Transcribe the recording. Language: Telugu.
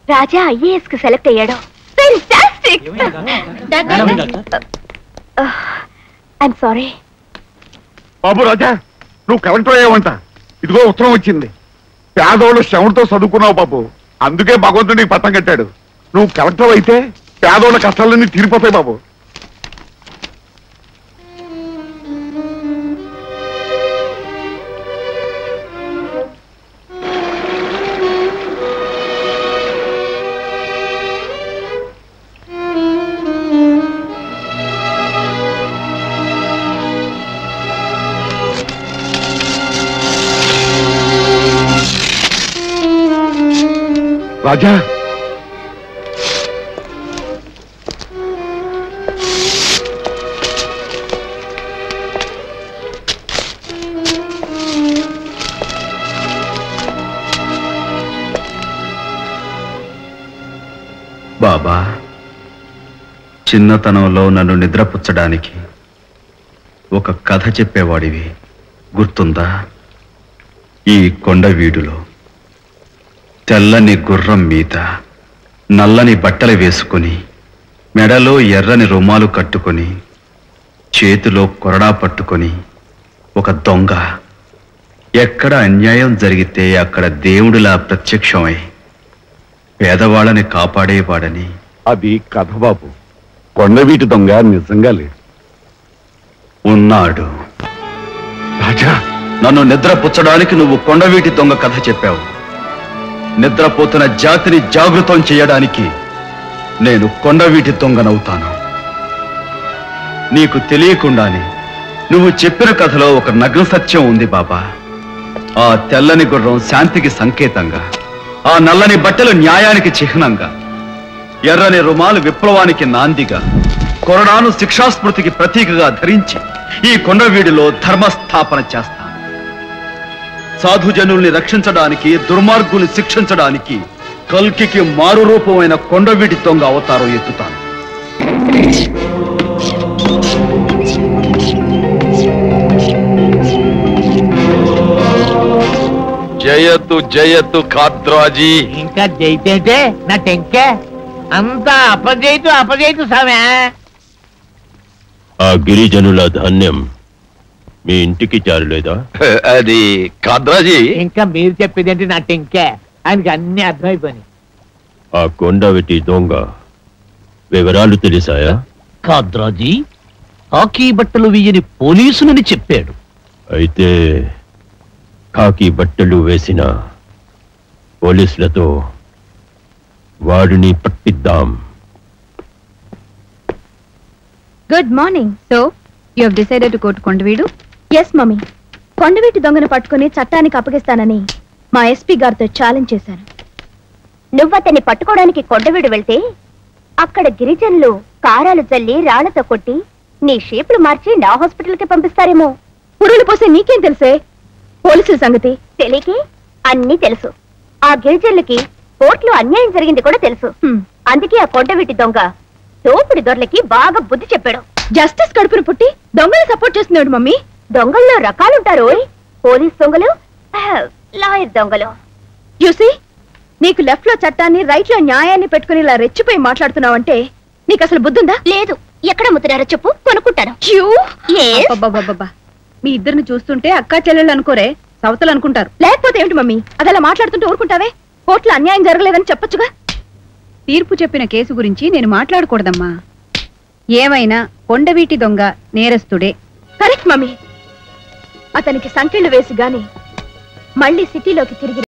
రాజా ఐఏఎస్ కు సెలెక్ట్ అయ్యాడు. ఫెంటాస్టిక్. I'm sorry. బాబు రాజా, నువ్వు కలెక్టర్ అయ్యావంట. ఇదిగో ఉత్తరం వచ్చింది. పేదోళ్ళు శ్రమతో చదువుకున్నావు బాబు, అందుకే భగవంతుడికి పట్టం కట్టాడు. నువ్వు కలెక్టర్ అయితే పేదోళ్ళ కష్టాలన్నీ తీరిపోతాయి బాబు. రాజా, బాబా, చిన్నతనంలో నన్ను నిద్రపుచ్చడానికి ఒక కథ చెప్పేవాడివి గుర్తుందా? ఈ కొండ వీడులో తెల్లని గుర్రం మీద నల్లని బట్టలు వేసుకుని, మెడలో ఎర్రని రుమాలు కట్టుకొని, చేతిలో కొరడా పట్టుకొని ఒక దొంగ ఎక్కడ అన్యాయం జరిగితే అక్కడ దేవుడిలా ప్రత్యక్షమై పేదవాళ్ళని కాపాడేవాడని. అది కథ బాబు, కొండవీటి దొంగ నిజంగా లేడు. ఉన్నాడు. రాజా, నన్ను నిద్రపుచ్చడానికి నువ్వు కొండవీటి దొంగ కథ చెప్పావు. నిద్రపోతున్న జాతిని జాగృతం చేయడానికి నేను కొండవీటి దొంగనవుతాను. నీకు తెలియకుండానే నువ్వు చెప్పిన కథలో ఒక నగ్న సత్యం ఉంది బాబా. ఆ తెల్లని గుర్రం శాంతికి సంకేతంగా, ఆ నల్లని బట్టలు న్యాయానికి చిహ్నంగా, ఎర్రని రుమాలు విప్లవానికి నాందిగా, కొరడాను శిక్షాస్మృతికి ప్రతీకగా ధరించి ఈ కొండవీడిలో ధర్మస్థాపన చేస్తాను. సాధుజనుల్ని రక్షించడానికి, దుర్మార్గుల్ని శిక్షించడానికి కల్కికి మారు రూపమైన కొండవీటి దొంగ అవతారం ఎత్తుతాను. జయతు జయతు ఖాద్రాజీ. ఇంకా జైతే నా టెంకే అంతా అపజయితు సామే. ఆ గిరిజనుల ధాన్యం మీ ఇంటికి చేరలేదా? అది ఖాద్రాజీ. ఇంకా మీరు చెప్పేదేంటి నా టెంకే? ఆయనకి అన్ని అర్థమైపోయినాయి. ఆ కొండవీటి దొంగ వివరాలు తెలిసాయా? ఖాద్రాజీ కాకి బట్టలు వేయని పోలీసులని చెప్పాడు. అయితే కాకి బట్టలు వేసిన పోలీసులతో వాడిని పట్టిద్దాం. Good morning. So you have decided to go to Kondaveedu? Yes mummy. కొండవీటి దొంగను పట్టుకుని చట్టానికి అప్పగిస్తానని మా ఎస్పీ గారితో ఛాలెంజ్ చేశాను. నువ్వు అతన్ని పట్టుకోవడానికి కొండవీడు వెళ్తే అక్కడ గిరిజనులు కారాలు జల్లి రాళ్లతో కొట్టి నీ షేపులు మార్చి నా హాస్పిటల్కి పంపిస్తారేమో. పురులు పోసే నీకేం తెలుసే పోలీసుల సంగతి? తెలియకే అన్నీ తెలుసు. ఆ గిరిజనులకి కోర్టులో అన్యాయం జరిగింది కూడా తెలుసు. అందుకే ఆ కొండవీటి దొంగ దోపిడి దొరలకి బాగా బుద్ధి చెప్పాడు. జస్టిస్ కడుపును పుట్టి దొంగలు సపోర్ట్ చేస్తున్నాడు మమ్మీ. దొంగల్లో రకాలుంటారు. పోలీస్ దొంగలు, లాయర్ దొంగలు. యూసీ, నీకు లెఫ్ట్ లో చట్టాన్ని, రైట్ లో న్యాయాన్ని పెట్టుకుని ఇలా రెచ్చిపోయి మాట్లాడుతున్నావంటే నీకు అసలు బుద్ధుందా? లేదు. ఎక్కడ ముద్రారో చెప్పు, కొనుక్కుంటాను. మీ ఇద్దరిని చూస్తుంటే అక్కా చెల్లెళ్ళు అనుకోరే, సవతలు అనుకుంటారు. లేకపోతే ఏమిటి మమ్మీ, అదలా మాట్లాడుతుంటే ఊరుకుంటావే? కోర్టులో అన్యాయం జరగలేదని చెప్పొచ్చుగా. తీర్పు చెప్పిన కేసు గురించి నేను మాట్లాడకూడదమ్మా. ఏమైనా కొండవీటి దొంగ నేరస్తుడే. Correct mummy. అతనికి సంకెళ్ళు వేసి గాని మళ్ళీ సిటీలోకి తిరిగి